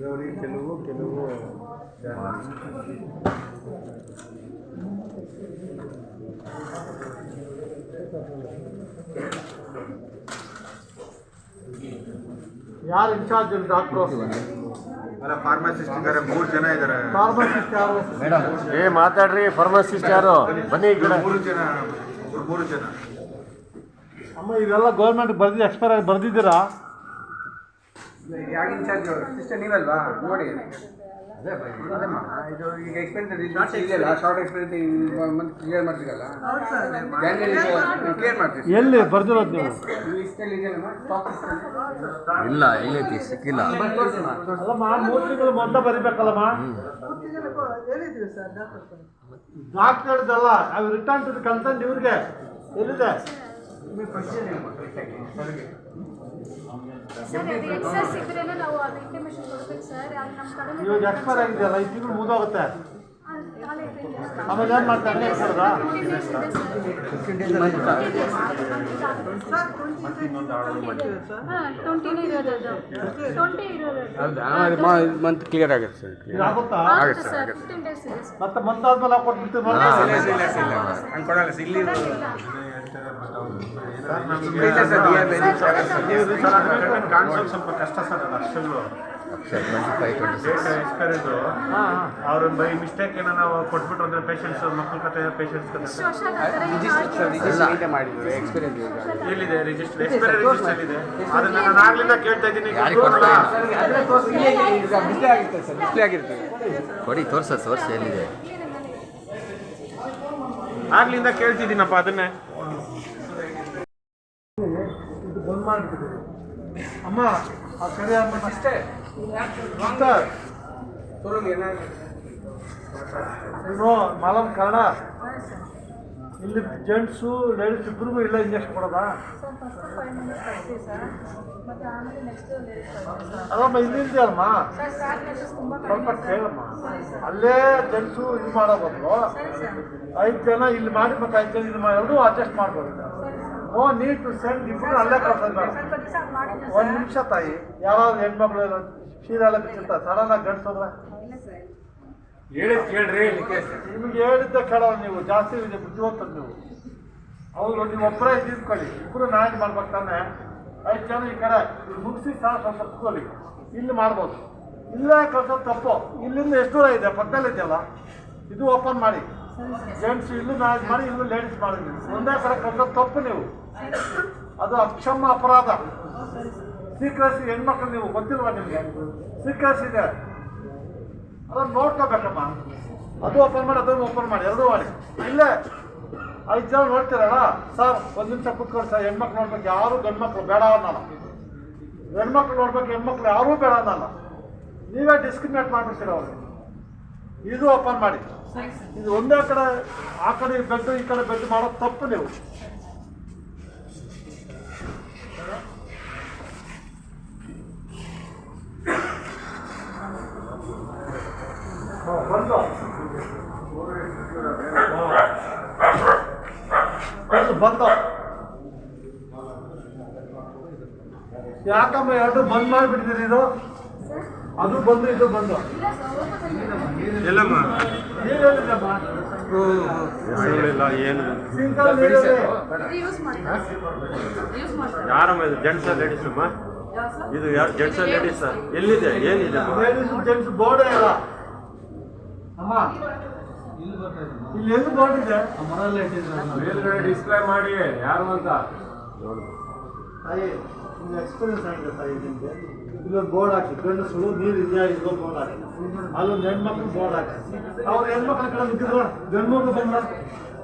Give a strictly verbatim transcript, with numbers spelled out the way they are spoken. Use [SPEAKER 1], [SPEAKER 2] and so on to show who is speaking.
[SPEAKER 1] ಇರೋರಿಗೆ ಕೆಲವು ಕೆಲವು
[SPEAKER 2] ಯಾರು ಇನ್ಚಾರ್ಜ್ ಡಾಕ್ಟ್ರು?
[SPEAKER 1] ಅಲ್ಲ ಫಾರ್ಮಸಿಸ್ಟ್ ಇದ್ದಾರೆ, ಮೂರು ಜನ ಇದ್ದಾರೆ.
[SPEAKER 2] ಫಾರ್ಮಸಿಸ್ಟ್ ಯಾರು?
[SPEAKER 3] ಮೇಡಮ್ ಏ ಮಾತಾಡ್ರಿ. ಫಾರ್ಮಸಿಸ್ಟ್ ಯಾರು? ಬನ್ನಿ ಈ ಕಡೆ.
[SPEAKER 1] ಮೂರು ಜನ ಒಬ್ರು ಮೂರು ಜನ.
[SPEAKER 2] ಅಮ್ಮ ಇವೆಲ್ಲ ಗೌರ್ಮೆಂಟ್ ಬರ್ದಿ ಎಕ್ಸ್ಪೈರ್ ಆಗಿ ಬರ್ದಿದ್ದೀರಾ?
[SPEAKER 1] ಯಾರು ಇನ್ಚಾರ್ಜ್? ಸಿಸ್ಟರ್ ನೀವಲ್ವಾ? ನೋಡಿ ಅದಮ್ಮ ಇದು ಈಗ ಎಕ್ಸ್ಪೀರಿಯನ್ಸ್ ಇದೆಯಲ್ಲ, ಶಾರ್ಟ್ ಎಕ್ಸ್ಪೀರಿಯನ್ಸ್ ಮಂತ್ ಕ್ಲಿಯರ್ ಮಾಡ್ತೀರಲ್ಲ, ಕ್ಲಿಯರ್ ಮಾಡ್ತೀವಿ.
[SPEAKER 2] ಎಲ್ಲಿ ಬರ್ದಿರೋದು ನೀವು?
[SPEAKER 1] ಲಿಸ್ಟಲ್ಲಿ ಇದೆಯಲ್ಲಮ್ಮ, ಸ್ಟಾಕ್ ಲಿಸ್ಟಲ್ಲಿ
[SPEAKER 3] ಇಲ್ಲ, ಎಲ್ಲೈತಿ ಸಿಕ್ಕಿಲ್ಲ.
[SPEAKER 2] ಅಲ್ಲಮ್ಮ ಮೂರು ತಿಂಗಳು ಮೊದಲ ಬರಿಬೇಕಲ್ಲಮ್ಮ. ಡಾಕ್ಟರ್ ಹೇಳಿದಲ್ಲ, ಅವು ರಿಟರ್ನ್ ಟು ದಿ ಕನ್ಸರ್ನ್ ಇವ್ರಿಗೆ ಎಲ್ಲಿದೆ? ಇವಾಗ ಎಕ್ಸ್ಪೈರ್ ಆಗಿದೆಯಲ್ಲ, ಐದು ತಿಂಗಳು ಮುಗಿದೋಗುತ್ತೆ. ಆಮೇಲೆ ಏನು ಮಾಡ್ತಾರೆ? ಹೇಳ್ಕೊಡ್ದಾ?
[SPEAKER 1] ಮಂತ್ ಕ್ಲಿಯರ್ ಆಗುತ್ತೆ ಸರ್.
[SPEAKER 2] ಇದು ಆಗುತ್ತಾ?
[SPEAKER 1] ಆಗುತ್ತೆ ಸರ್,
[SPEAKER 2] ಮತ್ತೆ ಮಂತ್ ಆದ್ಮೇಲೆ ಹಾಕೊಟ್ಬಿಡ್ತೀವಿ.
[SPEAKER 1] ಹಂಗೆ ಕೊಡಲ್ಲ ಸರ್ ಇಲ್ಲಿ. ಕಾಣಿಸೋದು ಸ್ವಲ್ಪ ಕಷ್ಟ ಸರ್. ಅದು ಅಷ್ಟೆಲ್ಲೂ ಎಕ್ಸ್ಪೈರಿದು ಅವ್ರ ಬೈ ಮಿಸ್ಟೇಕ್ ಏನೋ ನಾವು ಕೊಟ್ಬಿಟ್ಟು ಅಂದ್ರೆ ಪೇಷಂಟ್ಸ್ ಮಕ್ಕಳ ಕತೆ ಪೇಷಂಟ್ಸ್ ಕತೆ ಮಾಡಿದ್ವಿ. ಎಕ್ಸ್ಪೀರಿಯನ್ಸ್ ಎಲ್ಲಿದೆ? ರಿಜಿಸ್ಟರ್ ಎಕ್ಸ್ಪೈರಿ ರಿಜಿಸ್ಟರ್ ಇದೆ. ಅದನ್ನ ನಾನು ಆಗ್ಲಿಂದ ಕೇಳ್ತಾ ಇದ್ದೀನಿ. ಡಿಸ್ಪ್ಲೇ ಆಗಿರುತ್ತೆ ಸರ್, ಡಿಸ್ಪ್ಲೇ ಆಗಿರುತ್ತೆ.
[SPEAKER 3] ಕೊಡಿ ತೋರ್ಸ ತೋರಿಸಿ ಎಲ್ಲಿದೆ.
[SPEAKER 1] ಆಗ್ಲಿಂದ ಕೇಳ್ತಿದ್ದೀನಪ್ಪ ಅದನ್ನೇ.
[SPEAKER 2] ಇದು ಬಂದ್ ಮಾಡಿಬಿಟ್ಟಿದ್ದೀವಿ ಅಮ್ಮ. ಆ ಕಡೆ ಅಷ್ಟೇ ಏನು ಮಾಲಮ್ ಕನ್ನಡ ಇಲ್ಲಿ ಜೆಂಟ್ಸು ಲೇಡೀಸ್ ಇಬ್ಬರಿಗೂ ಇಲ್ಲ ಇಂಜೆಕ್ಷನ್ ಕೊಡೋದಾ? ಅದಮ್ಮ ಇಲ್ಲಿಂದ ಅಲ್ಲಮ್ಮ, ಸ್ವಲ್ಪ ಕೇಳಮ್ಮ. ಅಲ್ಲೇ ಜೆಂಟ್ಸು ಇದು ಮಾಡೋ ಬದಲು ಐದು ಜನ ಇಲ್ಲಿ ಮಾಡಿ ಮತ್ತೆ ಐದು ಜನ ಇಲ್ಲಿ ಮಾಡಿ ಎರಡೂ ಅಡ್ಜಸ್ಟ್ ಮಾಡ್ಬೋದು. ಓ ನೀಟ್ ಟು ಸೆಂಡ್ ಇಬ್ಬರು ಅಲ್ಲೇ ಕಳ್ಸೋದು ಬೇಡ. ಒಂದು ನಿಮಿಷ ತಾಯಿ, ಯಾರಾದ್ರು ಹೆಣ್ಮಕ್ಳು ಎಲ್ಲ ಶೀರೆಲ್ಲ ಬಿಟ್ಟಿರ್ತಾರೆ, ಸಡನ್ ಆಗಿ ಗಂಡ್ಸೋದ್ರೆ
[SPEAKER 1] ಹೇಳಿ ಕೇಳ್ರಿ.
[SPEAKER 2] ನಿಮ್ಗೆ ಹೇಳಿದ್ದೆ ಕೇಳೋ ನೀವು, ಜಾಸ್ತಿ ಇದೆ ಬುದ್ಧಿವಂತದ್ದು ನೀವು. ಅವರು ನೀವು ಒಬ್ಬರೇ ಇದ್ಕೊಳ್ಳಿ, ಇಬ್ಬರು ಮ್ಯಾನೇಜ್ ಮಾಡ್ಬೇಕು ತಾನೆ. ಐದು ಜನ ಈ ಕಡೆ ಮುಗಿಸಿ ಸಾಕು ಸ್ವಲ್ಪ ಕುತ್ಕೊಳ್ಳಿ. ಇಲ್ಲಿ ಮಾಡ್ಬೋದು, ಇಲ್ಲೇ ಕಳ್ಸೋದು ತಪ್ಪು. ಇಲ್ಲಿಂದ ಎಷ್ಟು ದೂರ ಇದೆ? ಪಕ್ಕದಲ್ಲಿ ಇದೆಯಲ್ಲ, ಇದು ಓಪನ್ ಮಾಡಿ. ಜೆಂಟ್ಸ್ ಇಲ್ಲೂ ಮ್ಯಾನೇಜ್ ಮಾಡಿ, ಇಲ್ಲೂ ಲೇಡೀಸ್ ಮಾಡಿದ್ವಿ. ಒಂದೇ ಕಡೆ ಕಳ್ಸೋದು ತಪ್ಪು ನೀವು. ಅದು ಅಕ್ಷಮ ಅಪರಾಧ. ಸೀಕ್ರೆಸಿ ಹೆಣ್ಮಕ್ಳು ನೀವು ಗೊತ್ತಿಲ್ವಾ ನಿಮಗೆ? ಸೀಕ್ರೆಸ್ ಇದೆ, ಅದನ್ನು ನೋಡ್ಕೋಬೇಕಮ್ಮ. ಅದು ಓಪನ್ ಮಾಡಿ, ಅದನ್ನು ಓಪನ್ ಮಾಡಿ, ಎರಡೂ ಮಾಡಿ. ಇಲ್ಲೇ ಐದು ಜನ ನೋಡ್ತೀರಲ್ಲ ಸರ್, ಒಂದು ನಿಮಿಷ ಕೂತ್ಕೊಂಡು ಸರ್. ಹೆಣ್ಮಕ್ಳು ನೋಡ್ಬೇಕು, ಯಾರು ಗಂಡು ಮಕ್ಳು ಬೇಡ ಅನ್ನಲ್ಲ. ಹೆಣ್ಮಕ್ಳು ನೋಡ್ಬೇಕು, ಹೆಣ್ಮಕ್ಳು ಯಾರೂ ಬೇಡ ಅನ್ನಲ್ಲ. ನೀವೇ ಡಿಸ್ಕ್ರಿಮಿನೇಟ್ ಮಾಡಿಬಿಡ್ತೀರ ಅವ್ರಿಗೆ. ಇದು ಓಪನ್ ಮಾಡಿ. ಇದು ಒಂದೇ ಕಡೆ ಆ ಕಡೆ ಬೆಡ್ ಈ ಕಡೆ ಬೆಡ್ ಮಾಡೋದು ತಪ್ಪು ನೀವು. ಬಂದು ಬಂದು ಯಾಕಮ್ಮ ಎರಡು ಬಂದ್ ಮಾಡಿಬಿಟ್ಟಿದ್ದೀರಿ? ಇದು ಅದು ಬಂದು ಇದು ಬಂದು
[SPEAKER 1] ಎಲ್ಲಮ್ಮ
[SPEAKER 2] ನೀರಿಲ್ಲಮ್ಮ,
[SPEAKER 1] ಏನು
[SPEAKER 2] ಸಿಂಕಲ್ ನೀರಲ್ಲಿ
[SPEAKER 1] ಯಾರಮ್ಮ ಇದು? ಜೆಂಟ್ಸ್ ಲೇಡೀಸ್ ಅಮ್ಮ? ಇದು ಜೆಂಟ್ಸ್ ಲೇಡೀಸ್ ಎಲ್ಲಿದೆ? ಏನಿದೆ?
[SPEAKER 2] ಲೇಡೀಸ್ ಜೆಂಟ್ಸ್ ಬೋರ್ಡೇ ಇಲ್ಲ ಅಮ್ಮ. ಇಲ್ಲಿ ಎಲ್ಲಿ ಬೋರ್ಡ್ ಇದೆ?
[SPEAKER 1] ಮೇಲ್ಗಡೆ ಡಿಸ್ಪ್ಲೇ ಮಾಡಿ ಯಾರು ಅಂತ.
[SPEAKER 2] ತಾಯಿ ನಿಮ್ಗೆ ಎಕ್ಸ್ಪೀರಿಯನ್ಸ್ ಆಗಿದೆ ತಾಯಿ ನಿಮಗೆ. ಇಲ್ಲೊಂದು ಬೋರ್ಡ್ ಹಾಕಿ, ಗಂಡಸರು ನೀರು ಇದೆಯಾ ಇಲ್ಲೊಂದು ಬೋರ್ಡ್ ಹಾಕಿ, ಅಲ್ಲೊಂದು ಹೆಣ್ಮಕ್ಳು ಬೋರ್ಡ್ ಹಾಕಿ. ಅವ್ರು ಹೆಣ್ಮಕ್ಳ ಕಡೆ ಬಿಟ್ಟಿದ್ರು, ಗಂಡು ಮಕ್ಕಳು ಬಂದ